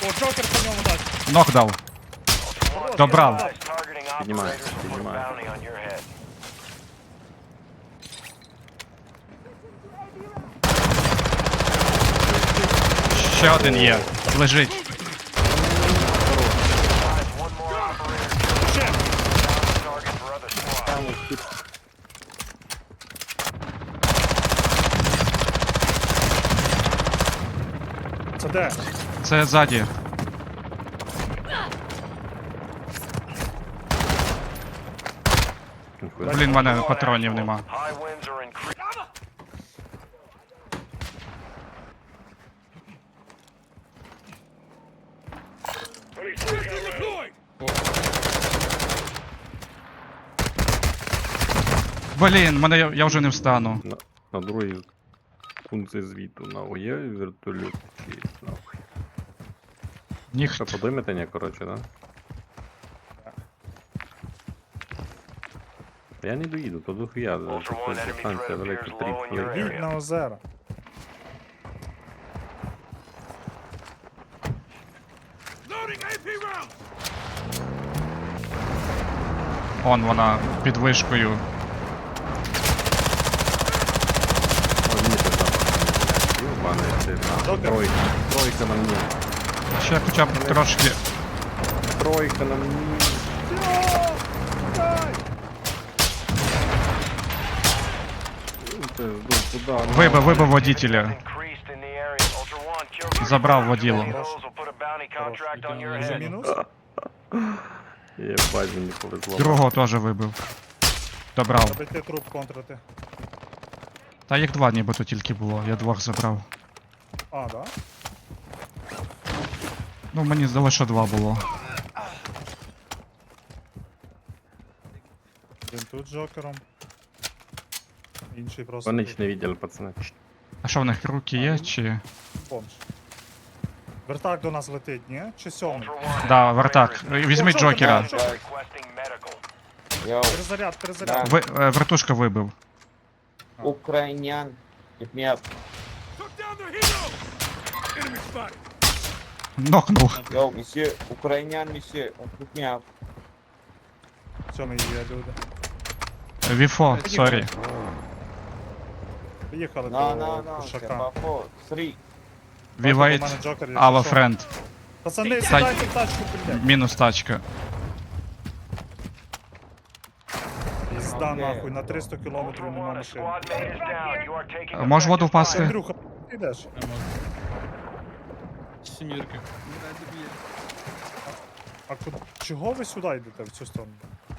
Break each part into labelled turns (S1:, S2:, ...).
S1: О, Джокер по ньому дасть.
S2: Нок дав. Добрав.
S3: Піднімаю, піднімаю.
S2: Ще один є. Лежить.
S1: Ще.
S3: Там ось тут.
S1: Це де?
S2: Це ззаді. Блін, в мене патронів нема. Блін, я вже не встану.
S3: На другій пункті звіту. На є вертольот чи нахуй.
S2: Ніхто.
S3: Що, подимете, ні, коротше, да? Я не доїду, то дохуя, тут дистанція велика, 3 хвилини.
S1: Їдь на озеро.
S2: Он вона під вишкою.
S3: О, ні, це запах. Йобаний, це на тройка. Тройка на мені.
S2: Ще хоча б трошки.
S3: Тройка на мені. Це куди?
S2: Вибив водителя. Забрав воділо.
S1: Вже мінус?
S3: Єбать, мені повезло.
S2: Другого теж вибив. Добрав.
S1: Треба йти труп контрити.
S2: Та їх два нібито тільки було, я двох забрав.
S1: А, да?
S2: Ну мені здалося, що два було.
S1: Він тут з Джокером. Інший просто
S3: Вони
S1: тут.
S3: ж не видели, пацани.
S2: А що в них руки є чи.
S1: Бомж. Вертак до нас летить, ні? Чи сьомий?
S2: Да, вертак. Візьми Джокера.
S4: Йоу,
S1: Перезаряд, перезаряд.
S2: Вертушка вибив.
S4: Ukrainian, hit me up.
S2: Нокнув.
S4: Yo, monsieur, Ukrainian, monsieur, hit me up.
S1: Сьомий є люди.
S2: Віфо, сорі.
S1: Поїхали
S4: No,
S1: до
S4: no, no,
S1: Кушака.
S4: Sherpa 4, 3.
S2: We
S1: У
S2: wait
S1: мене Джокер є,
S2: our
S1: чи що?
S2: friend.
S1: Пацани, сідайте в тачку, блядь.
S2: Мінус тачка.
S1: Пізда
S4: Окей.
S1: нахуй, на 300 кілометрів нема машини.
S2: Можеш воду впасти?
S1: Андрюха, ти йдеш?
S5: Сімірки.
S1: А чого ви сюди йдете, в цю сторону?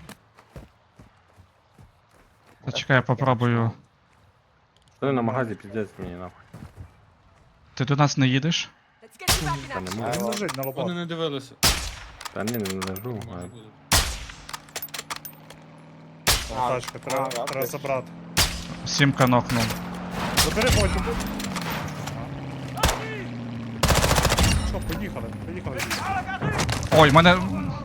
S2: Зачекай, я попробую.
S3: Вони на магазі піздець мені, нахуй.
S2: Ти до нас не їдеш?
S3: Та не
S1: Він
S3: можу.
S1: лежить на
S5: Вони
S1: лобах.
S5: не дивилися.
S3: Та ні, не лежу.
S5: Може буде.
S1: О, тачка, треба забрати.
S2: Сімка нокнув.
S1: Забери потім. Що, поїхали, поїхали.
S2: Ой, мене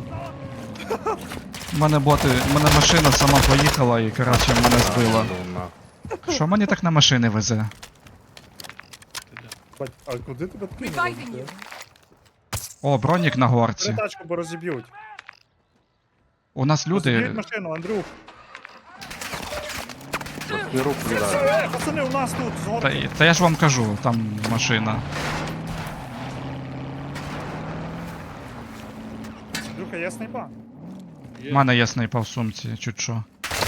S2: мене машина сама поїхала і, коротше, мене збила. Що мені так на машини везе?
S1: Бать, а куди тебе
S6: Reviving
S1: кинули?
S6: you.
S2: О, бронік на горці.
S1: Бери тачку, бо розіб'ють.
S2: У нас
S1: Розіб'ють
S2: люди.
S1: машину, Андрюх.
S3: Не руку віддали.
S1: Пацани, у нас тут, з горки.
S2: Та я ж вам кажу, там машина.
S1: Андрюха, є снайпа?
S2: У мене є снайпа в сумці, чуть що.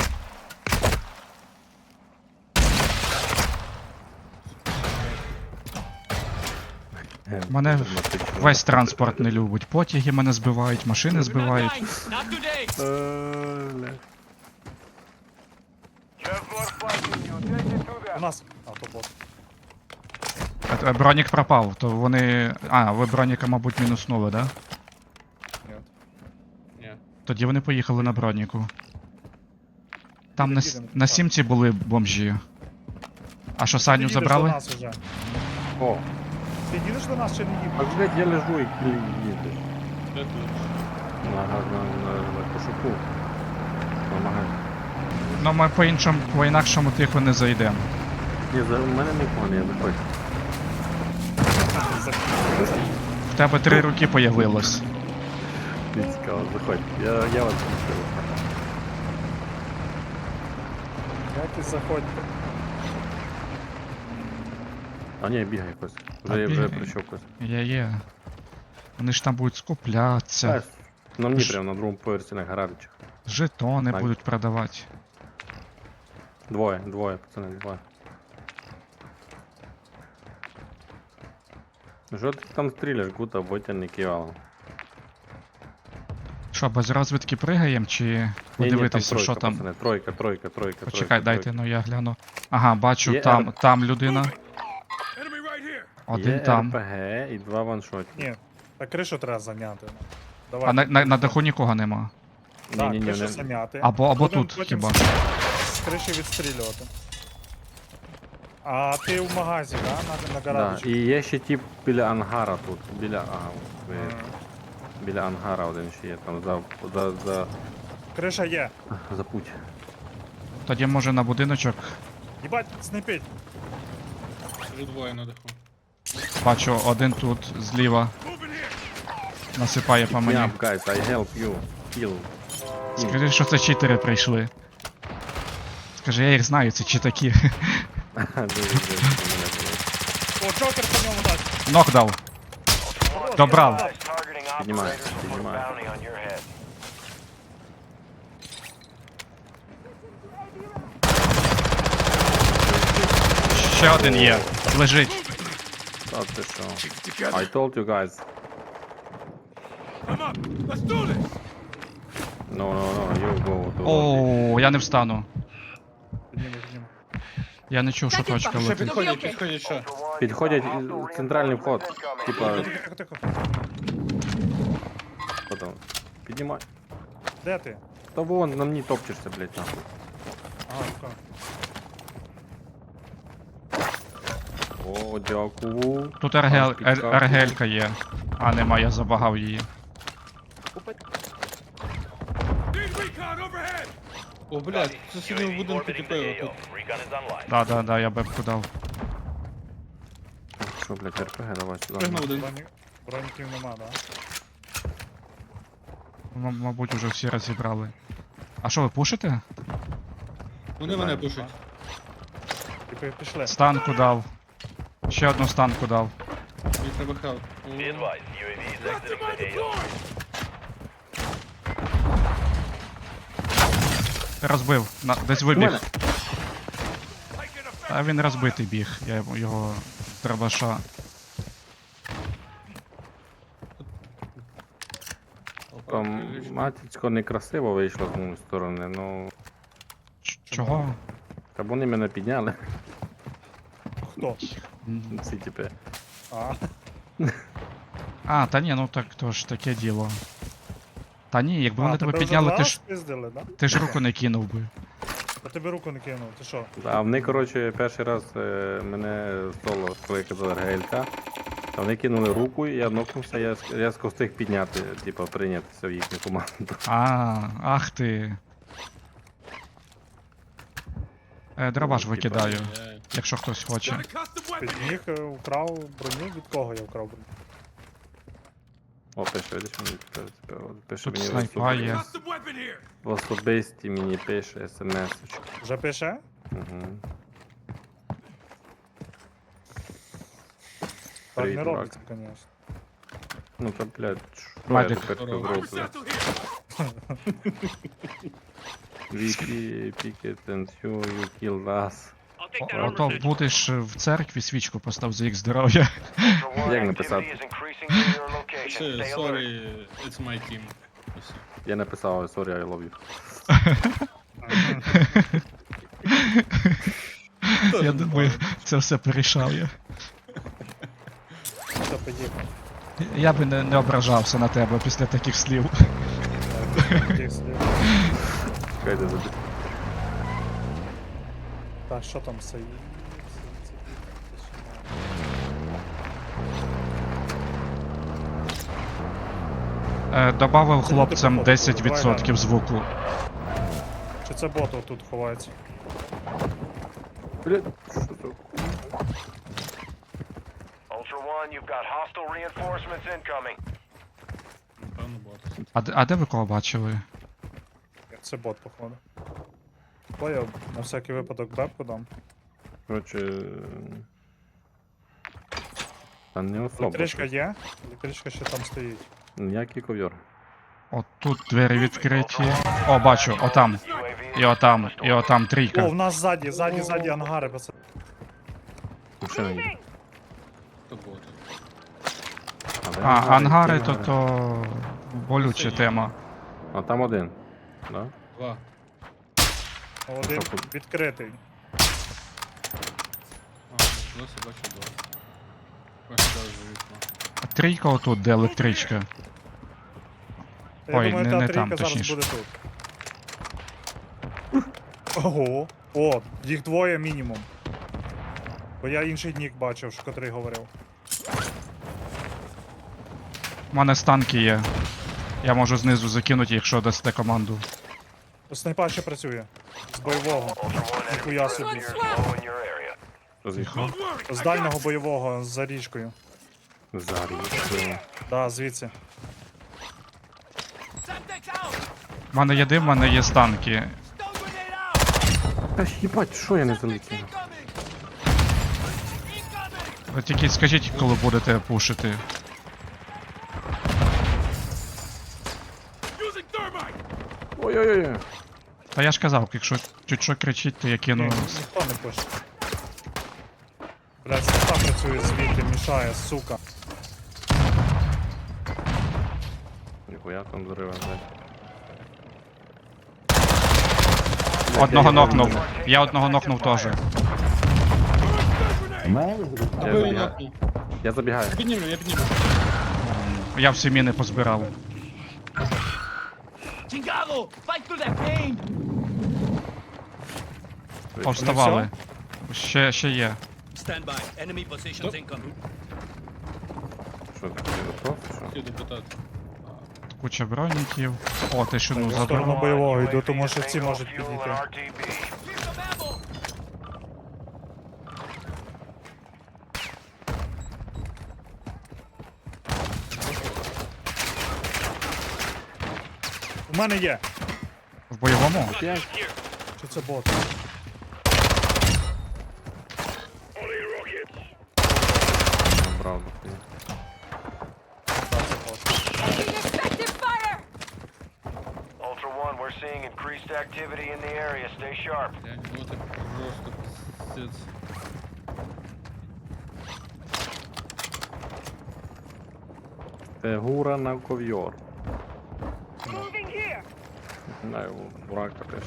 S2: Мене весь транспорт не любить. Потяги мене збивають, машини збивають.
S1: У нас. А, то бот.
S2: Бронік пропав, то вони. А, ви броніка, мабуть, мінуснули, да?
S1: Ні.
S5: Ні.
S2: Тоді вони поїхали на броніку. Там
S1: Їдемо,
S2: на сімці були бомжі. А що, Саню
S1: Ти їдеш
S2: забрали?
S1: до нас уже.
S3: О,
S1: Ти їдеш до нас чи не їдеш?
S3: а блядь, я лежу і їду.
S5: Де тут?
S3: На кошуку. На магазі.
S2: Ну ми по-інакшому тихо не зайдемо.
S3: Ні, за мене нікого не, я виходжу.
S2: В тебе 3 руки появилось.
S3: Не цікаво, заходь. Я вас пустив.
S1: Як і заходьте.
S3: А ні, бігай якось.
S2: Та
S3: Вже
S2: бігай.
S3: прийшов якось.
S2: Є. Вони ж там будуть скуплятися,
S3: На мені
S2: Ж-
S3: прямо на другому поверсі на гаражичах.
S2: жетони
S3: Так.
S2: будуть продавати.
S3: Двоє, пацани, двоє. Ну що ти там стріляш, гута, ботяний кивало.
S2: Що, без розвідки пригаємо чи подивитися, що там?
S3: Пацани, тройка.
S2: Почекай, дайте, ну я гляну. Ага, бачу,
S3: Є
S2: там людина. Один
S3: Є
S2: там.
S3: РПГ і 2 ваншотні.
S1: Ні, та кришу треба зайняти. Давай.
S2: А на даху нікого нема.
S1: Так,
S3: Ні-ні-ні,
S1: кришу
S3: не...
S1: зайняти.
S2: Або
S1: Будем
S2: тут
S1: потім
S2: хіба.
S1: з криші відстрілювати. А ти в магазі, да? На
S3: Да.
S1: гаражі?
S3: І є ще тип біля ангара тут. Ага, от ви... Біля ангара один ще є, там
S1: Криша є.
S3: за путь.
S2: Тоді може на будиночок.
S1: Їбать, снайпить.
S5: Вже двоє на даху.
S2: Бачу, один тут зліва. Насипає по мені.
S3: Yeah, guys, I help you. Kill.
S2: Скажи, що це читери прийшли. Скажи, я їх знаю, це читаки.
S3: Дуже.
S1: О, Джокер по ньому дасть.
S2: Нок дав. Добрав.
S3: Піднімай.
S2: Ще один є. Лежить.
S3: Та ти що? I told you guys. No, you go to lobby.
S2: О, я не встану.
S1: Підніми.
S2: Я не чув, що точка
S5: Ще
S2: летить.
S5: підходять, що?
S3: Підходять центральний вход. Типа,
S1: Тихо.
S3: хто там? Піднімай.
S1: Де ти?
S3: Та вон, на мені топчешся, блядь, нахуй.
S1: Ага, така.
S3: О, дякую.
S2: Тут
S3: Трошки капнуло.
S2: ергелька є. А нема, я забагав її.
S5: О, блядь, це сидів в будинку тепер тут.
S2: Да, я бебку дав.
S3: Що, блядь, РПГ, давай сюди.
S5: Пригнув один.
S1: Броніків нема, да?
S2: Мабуть, уже всі розібрали. А що, ви пушите?
S5: Вони мене пушать.
S1: Типи пішли.
S2: Станку дав. Ще одну станку дав.
S5: Мені треба хелп.
S2: Розбив. Десь вибіг. А він розбитий біг. Я його з дробаша.
S3: Там матіцько некрасиво вийшло з моєї сторони, ну...
S2: Чого?
S3: Та вони мене підняли,
S1: Хто?
S3: ці типи.
S1: А,
S2: А, та ні, ну так то ж таке діло. Та ні, якби вони тебе
S1: вже
S2: підняли,
S1: два
S2: ти ж,
S1: спиздили, да?
S2: ти ж руку не кинув би.
S1: А тебе руку не кинув, ти що?
S3: А вони, коротше, перший раз мене соло, коли я казав РГЛК, а вони кинули руку, і я нокнувся, я різко встиг підняти, типу, прийнятися в їхню команду.
S2: Ах ти. Дробаш викидаю, якщо хтось хоче.
S1: Підніг, украв броню, від кого я вкрав броню?
S3: О, пише, видиш, мені пише
S2: Тут
S3: мені
S2: снайпа є.
S3: в особисті мені пише смс-очки.
S1: Вже пише?
S3: Угу.
S1: Так
S3: Привіт,
S1: не
S3: дурак.
S1: робиться, звісно.
S3: Ну та, блядь, що я
S2: Мадик.
S3: тепер зроблю? Вікі, пікет, and you killed us.
S2: Ото будеш в церкві свічку постав за їх здоров'я.
S3: Як написати?
S5: Все, sorry, it's my team. Ось.
S3: Я написав, sorry, I love you.
S2: Я думаю, це все порішав я.
S1: Все, поїхав.
S2: Я би не ображався на тебе після таких слів.
S1: Тих слів.
S3: Чекайте, забіг.
S1: Так, що там все?
S2: Добавив хлопцям 10% звуку.
S1: Чи це бот тут ховається?
S3: Блядь, що це?
S6: Ultra One, you've got hostile reinforcements incoming.
S5: Напевно, бот.
S2: А де ви кого бачили?
S1: Це бот, походу. Бо я на всякий випадок бепку дам.
S3: Коротше. Та не особо.
S1: Електричка є? Електричка ще там стоїть.
S3: Ніякий ковьор.
S2: От тут двері відкриті. О, бачу, отам. І отам
S1: О,
S2: трійка.
S1: в нас ззаді ангари, пацани.
S3: Машина є.
S5: То боти.
S3: де
S2: А, ангари
S3: які
S2: то болюча тема.
S3: А там один. Да?
S5: 2.
S1: Один
S3: Що тут?
S1: відкритий.
S5: Досі бачу 2. Виглядаю за вікно.
S2: А трійка отут, де електричка.
S1: Я
S2: Ой,
S1: думаю,
S2: не
S1: та
S2: там,
S1: трійка зараз
S2: точніше.
S1: буде тут. Ого. О, їх двоє мінімум. Бо я інший нік бачив, що котрий говорив.
S2: У мене станки є. Я можу знизу закинути, якщо дасте команду.
S1: Снайпа ще працює. З бойового.
S6: Ultra One, enemy
S1: Ніхуя собі.
S6: presence near is low in your area.
S3: Розійшов.
S1: З дальнього бойового за річкою.
S3: Зарізали.
S1: Да, звідси.
S2: У мене є дим, у мене є станки.
S3: Та їбать, що я не залетів?
S2: Ви тільки скажіть, коли будете пушити.
S3: Ой-ой-ой.
S2: Та я ж казав, якщо чуть що кричить, то я
S1: Ні,
S2: кину.
S1: ніхто не пише. Блядь, снайпа працює звідти, мішає, сука.
S3: Ніхуя там зрива, блядь.
S2: Одного нокнув. Я одного нокнув теж.
S3: Я
S5: Аби
S3: забігаю.
S5: нокнув.
S3: Я забігаю.
S5: Я підніму.
S2: Я всі міни позбирав. Повставали. Ще є.
S7: Stand by. Enemy positions incoming.
S3: Що ти готов? Що?
S5: Хотів допитати.
S2: Куча броніків. О, ти що, ну
S1: В сторону
S2: забрав.
S1: бойового йду,
S6: UAV
S1: тому що
S6: is
S1: ці
S6: bingo
S1: можуть
S6: fuel
S1: підійти.
S6: and RTB.
S1: У мене є.
S2: В бойовому?
S1: Чи це бот?
S3: Брав.
S1: Так, це бот.
S6: Ultra One, we're seeing increased activity in the area. Stay sharp.
S5: Я не боти просто пиздец.
S3: Це гура на ковьор. Знаю, бурака теж.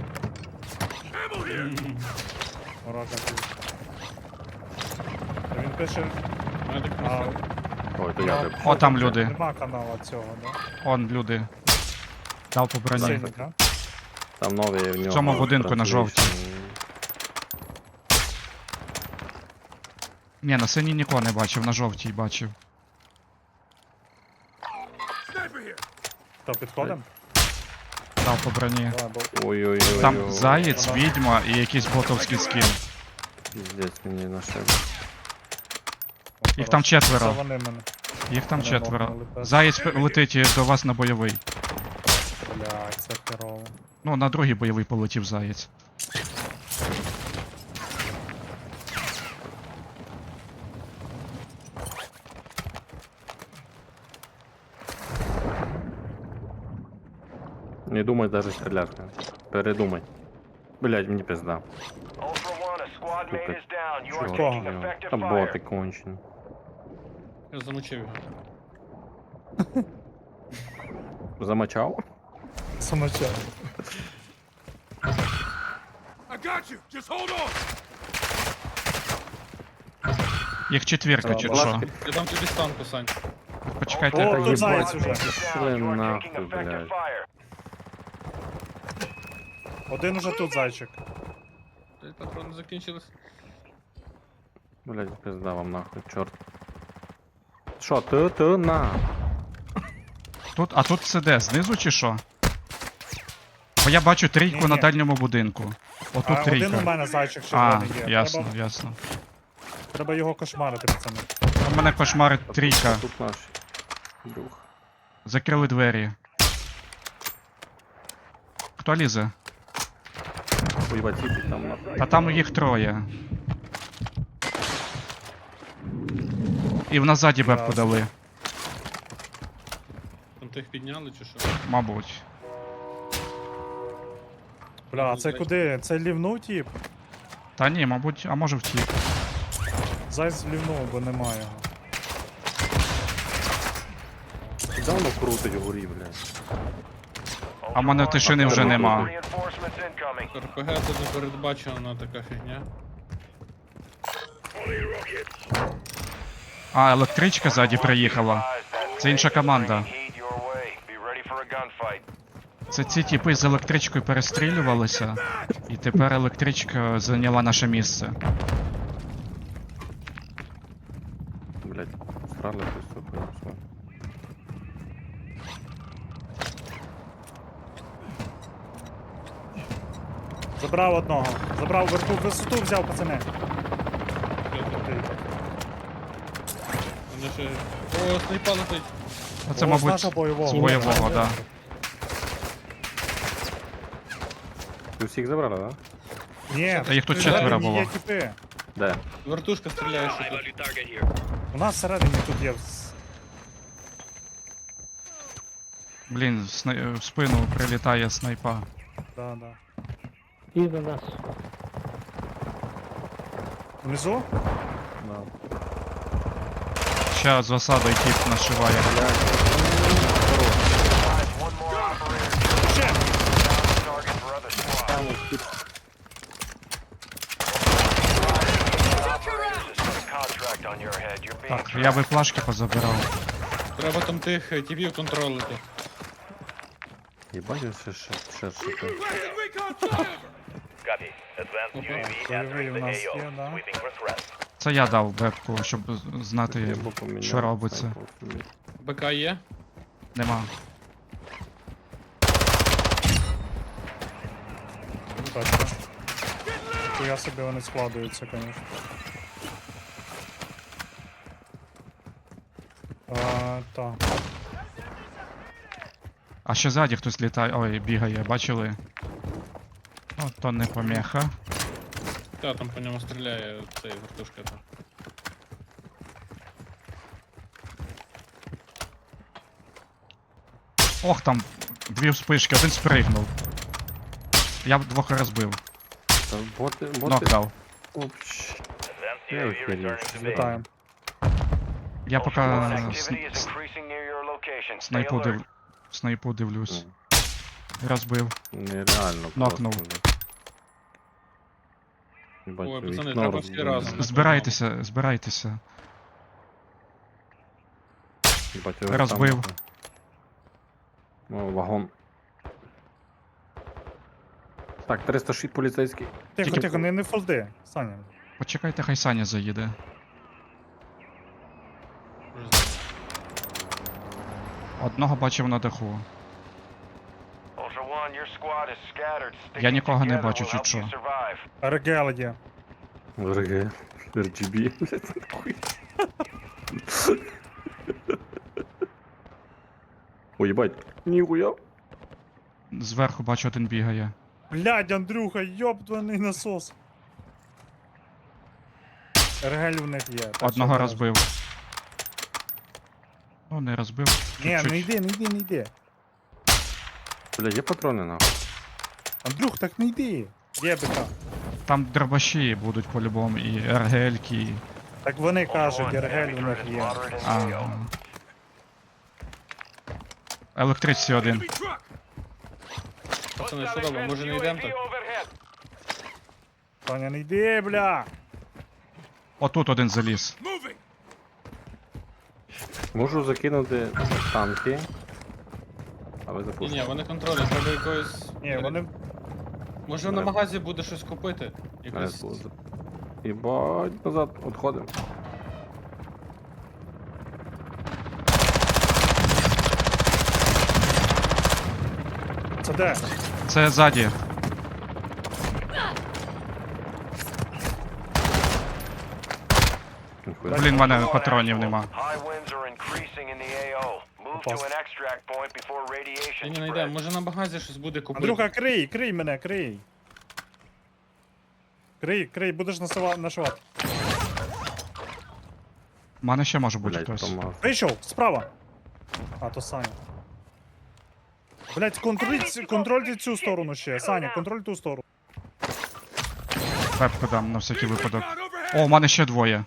S1: Ворога тут. Він пише,
S5: Мене так
S1: а,
S5: просто.
S3: Ой, то я тебе.
S2: О, там люди.
S1: нема канала цього, да?
S2: Он люди. Дав по броні.
S1: Синій, да?
S3: Там новий в нього.
S2: цьому будинку на жовтій. Ні, на синій нікого не бачив, на жовтій бачив.
S1: То підходим?
S2: Дав по броні.
S1: Давай, бо
S3: Ой-ой-ой.
S2: Там заєць, відьма і якийсь ботовський скін.
S3: Піздець мені нашив.
S2: Їх там
S1: Це
S2: четверо.
S1: вони мене.
S2: Їх там
S1: Мене
S2: четверо.
S1: нокнули, пес.
S2: Заєць летить до вас на бойовий.
S1: Блядь, це херово.
S2: Ну, на другий бойовий полетів заєць.
S3: Не думай даже стріляти. Передумай. Блять, мені пизда.
S6: Ultra One, a squad mate is down. You are
S3: Чорт,
S6: taking
S3: його.
S6: effective
S3: Та боти
S6: fire.
S3: кончені.
S5: Я замочив його.
S3: Замочав?
S1: Самочай.
S2: Їх четвірка чи
S1: Будь
S2: що?
S3: ласка.
S5: Я дам тобі станку, Сань.
S2: Почекайте.
S1: О,
S3: Та
S1: тут
S3: їбать,
S1: заєць уже.
S3: пішли
S6: Down. You are
S3: нахуй,
S6: taking effective
S3: блядь.
S6: fire.
S1: Один уже тут зайчик.
S5: Блять, патрони закінчились.
S3: Блять, пизда вам нахуй, чорт. Що, ти на?
S2: А тут це де? Знизу чи що? Бо я бачу трійку
S1: Ні-ні.
S2: на дальньому будинку. Отут
S1: Один у
S2: трійка.
S1: мене зайчик
S2: А,
S1: червоний є.
S2: ясно, ясно.
S1: Треба його кошмарити, пацани.
S2: У мене кошмарить трійка.
S3: Тут наш друг.
S2: Закрили двері. Хто лізе?
S3: Ой, бачите, там на...
S2: А там їх троє. І в назаді бебку
S1: Ясно.
S2: дали,
S5: Там тих підняли чи що?
S2: мабуть.
S1: Бля, а це куди? Це лівну тип?
S2: Та ні, мабуть, а може втік.
S1: Зайць в лівну, бо немає його.
S3: Давно крутить вгорі, блядь.
S2: А в мене тишини вже нема.
S6: Reinforcements incoming.
S5: РПГ це не передбачена така фігня.
S2: А, електричка ззаді приїхала. Це інша команда.
S6: Heed your way. Be ready for a gunfight.
S2: Це ці тіпи з електричкою перестрілювалися, і тепер електричка зайняла наше місце.
S3: Блядь, срали щось тут, все.
S1: Забрав одного. Забрав висоту взяв, пацани.
S5: Вони ще... О, снайпа летить.
S2: А це,
S1: О, з
S2: мабуть,
S1: нашого бойового.
S2: з бойового, да.
S3: Ви всіх забрали, да?
S1: Ні,
S2: Та їх тут
S1: всередині
S2: четверо було.
S1: Є тіпи.
S3: Де?
S5: Вертушка стріляє ще тут.
S7: Value target here.
S1: У нас всередині тут є.
S2: Блін, в спину прилітає снайпа.
S1: Да, да.
S8: І до нас.
S1: Внизу?
S3: Да.
S2: Ще з осадою тіп нашиває.
S6: One more operator.
S1: Ще!
S6: Target for other squads. Operators, just put a contract on your head. You're being
S2: Так, я би плашки позабирав.
S5: Треба там тих тіпів контролити.
S3: Єбать, ще.
S6: Copy. Advanced UAV
S1: Бойовий у нас є, да.
S6: for threat.
S2: Це я дав бебку, щоб знати,
S3: Я б поміняв
S2: що робиться.
S3: снайпу собі.
S5: БК є?
S2: Нема.
S1: Бачите. Я собі вони складуються, звісно. Так.
S2: А ще ззаді хтось літає. Ой, бігає, бачили? О, то не помеха.
S5: Та, там по ньому стріляє цей вертушка. Та.
S2: Ох, там дві вспишки, один спригнув. Я двох розбив.
S3: Та боти...
S2: Нок дав.
S3: Опч.
S6: Advanced
S3: Я
S6: UAV
S3: охерів.
S6: returning to base.
S1: Вітаємо.
S2: Я поки
S6: Activity is increasing near your location. Stay alert.
S2: снайпу дивлюсь. Розбив.
S3: Нереально
S2: Нокнув.
S3: просто. Єбать,
S5: Ой, пацани,
S3: вікно
S5: треба всі
S3: розбили.
S5: разом.
S2: Збирайтеся, збирайтеся.
S3: Єбать, його
S2: Розбив.
S3: там- О, вагон. Так, 306 поліцейський.
S1: Тихо,
S2: Тільки-
S1: тихо, не фолди. Саня.
S2: Почекайте, хай Саня заїде.
S5: Вже знаю.
S2: Одного бачив на даху.
S6: Ultra One, your squad is scattered.
S2: Я
S6: Sticking
S2: нікого не
S6: together
S2: бачу,
S6: will
S2: чи
S6: help
S2: що.
S6: you survive.
S1: РГЛ є.
S3: РГ. RGB. блядь, нахуй. Ой, єбать. Ніхуя.
S2: Зверху бачу, один бігає.
S1: Блядь, Андрюха, йобдваний насос. РГЛ у них є. так
S2: Одного
S1: що
S2: розбив. Ну, не розбив.
S1: Ні,
S2: Чуть-чуть.
S1: не йди, не йди, не йди.
S3: Бля, є патрони нахуй.
S1: Андрюх, так не йди. Є БК.
S2: Там дробаші будуть по-любому, і РГЛ-ки. і-
S1: Так вони
S6: Ultra
S1: кажуть,
S6: One,
S1: РГЛ у
S6: enemy
S1: них
S6: threat is
S1: є.
S6: moderate in
S2: Ага.
S6: scale.
S2: Електричці один.
S5: Пацани, що робимо? Може не йдемо так?
S1: Саня, не йди, бля.
S2: Отут один заліз.
S3: Можу закинути танки. А ви
S5: Ні,
S3: запустите.
S5: ні, вони контролять, треба якогось...
S1: Ні, вони.
S5: Може на магазі буде щось купити? Якось...
S3: Єбать, назад, відходимо.
S1: Це де?
S2: Це ззаді.
S3: Дякую.
S2: Блін, в мене
S6: Ultra One
S2: патронів
S6: actual.
S2: нема.
S6: High winds are increasing in the AO. Move to
S1: Попав.
S6: an extract point before radiation
S5: Ні, не йде,
S6: spreads.
S5: може на багазі щось буде купити.
S1: Андрюха, крий мене, крий. Крий, будеш нашивати.
S2: У мене ще може бути
S3: Блять,
S2: хтось.
S3: помаз.
S1: Вийшов, справа. А, то Саня. Блять, контрольте цю сторону ще. Саня, контроль ту сторону.
S2: Пепку дам на всякий випадок. О, у мене ще двоє.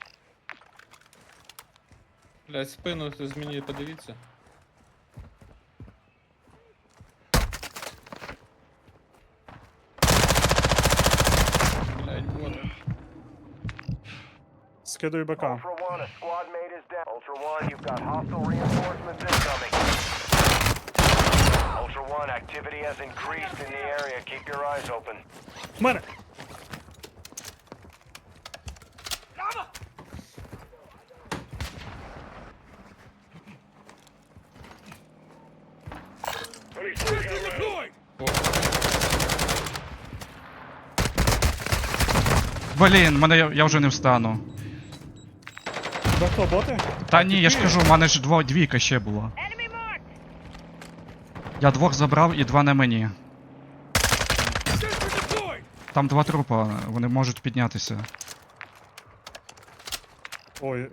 S5: Блядь, спину хтось мені подивіться. Блядь, вот.
S1: Скидаю БК.
S6: Ultra One, a squad mate is down. Ultra One, you've got hostile reinforcements incoming. Ultra One, activity has increased in the area. Keep your eyes open.
S1: В мене.
S2: Блін, я вже не встану.
S1: Тебе хто, боти?
S2: Та ні, я ж кажу, у мене ж двійка ще була. Я двох забрав і два на мені. Там два трупа, вони можуть піднятися.
S1: Ой,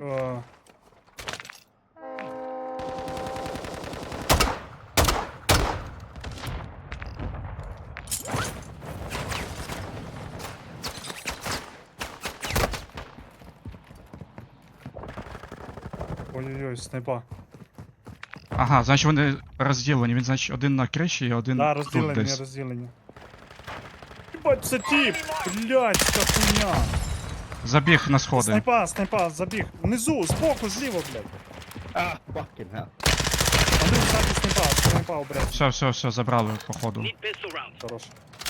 S1: Ой-ой-ой, снайпа.
S2: Ага, значить вони розділені. Він, значить, один на криші і один
S1: Да,
S2: тут
S1: розділення,
S2: десь.
S1: розділення. Ебать, це тип! Блять, ця хуйня!
S2: Забіг на сходи.
S1: Снайпа, забіг. Внизу, збоку, зліва, блядь.
S4: Ah, fucking hell.
S1: Андрій, ззаді снайпа, блядь.
S2: Все, забрали, походу.
S7: Need pistol rounds.
S1: Хорош.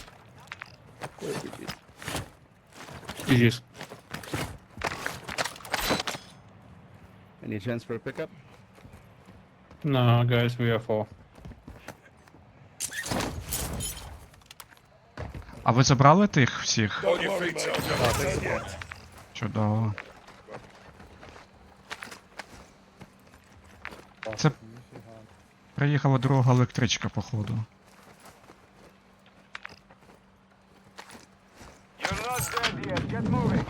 S5: GG's.
S8: Any chance for a pickup?
S5: No, guys, we are four.
S2: А ви забрали тих всіх?
S1: Так, так, забрав.
S2: Чудово. Це приїхала друга електричка, походу.
S6: You're not dead yet. Get moving.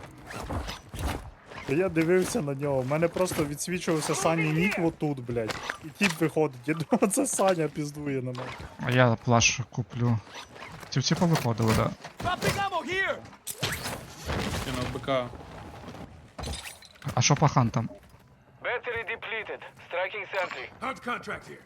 S1: Я дивився на нього, в мене просто відсвічувався Сані нік отут, блядь. І тіп виходить, я думаю, це Саня піздує на мене.
S2: А я плаш куплю. Ці всі повиходили, да.
S7: Dropping ammo here.
S5: Кинув БК.
S2: А що по хантам?
S6: Battery depleted. Striking sentry.
S7: Hunt contract here.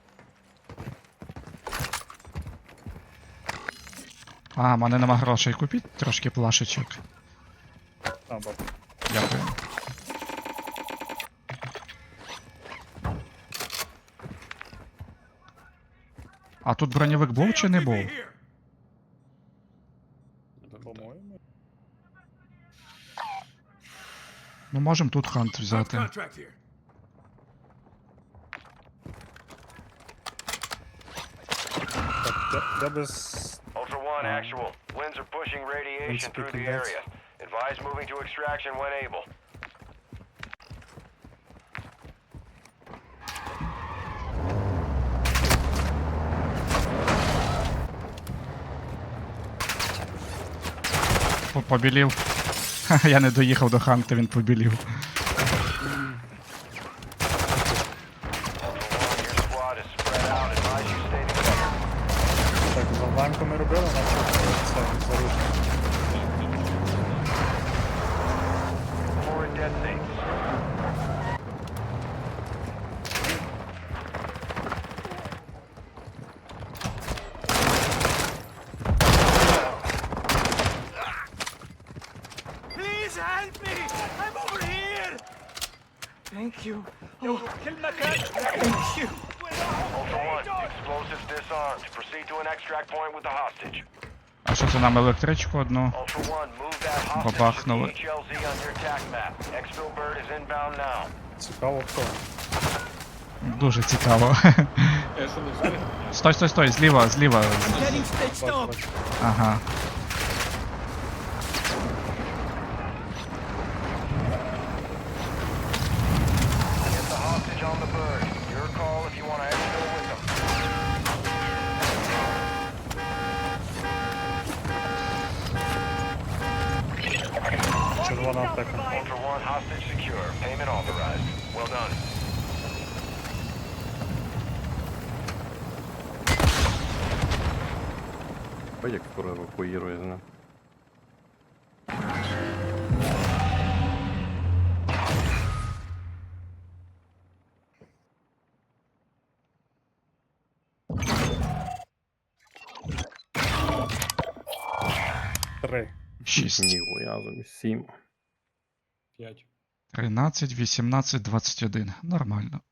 S2: А, в мене нема грошей. Купіть трошки плашечок.
S1: А, баб.
S2: Дякую. А тут броньовик був чи не був?
S7: Here.
S1: По-моєму.
S2: Ну можемо тут хант взяти.
S7: Contract here.
S1: Так, я без...
S6: Ultra One, actual. Winds are pushing radiation through the
S1: speaking,
S6: area. Advise moving to extraction when able.
S2: Побілів. Ха, я не доїхав до ханта, він побілів.
S6: Ultra One, your squad is spread out. Advise you stay together.
S1: Так, завданку ми робили, наче це заручно.
S6: Before it detonates.
S7: Please help me. I'm over here. Thank you. Oh, kill my cat. Thank you.
S6: Ultra One, explosives disarmed. Proceed to an extract point with the hostage.
S2: А що це нам електричку одну?
S6: Ultra One, move that hostage to the
S2: Бабахнули.
S6: HLZ on your attack map. Exfil Bird is inbound now.
S1: Цікаво хто.
S2: Дуже цікаво.
S5: Я що не встиг?
S2: Стой, зліва.
S7: Getting stitched up.
S2: Ага.
S1: Одна аптека.
S6: Ultra One, hostage secure. Payment authorized. Well done.
S3: Ой, як скоро евакуїрує з ним.
S1: Три.
S2: 6.
S3: Ніхуя собі, 7.
S5: 5.
S2: 13, 18, 21. Нормально.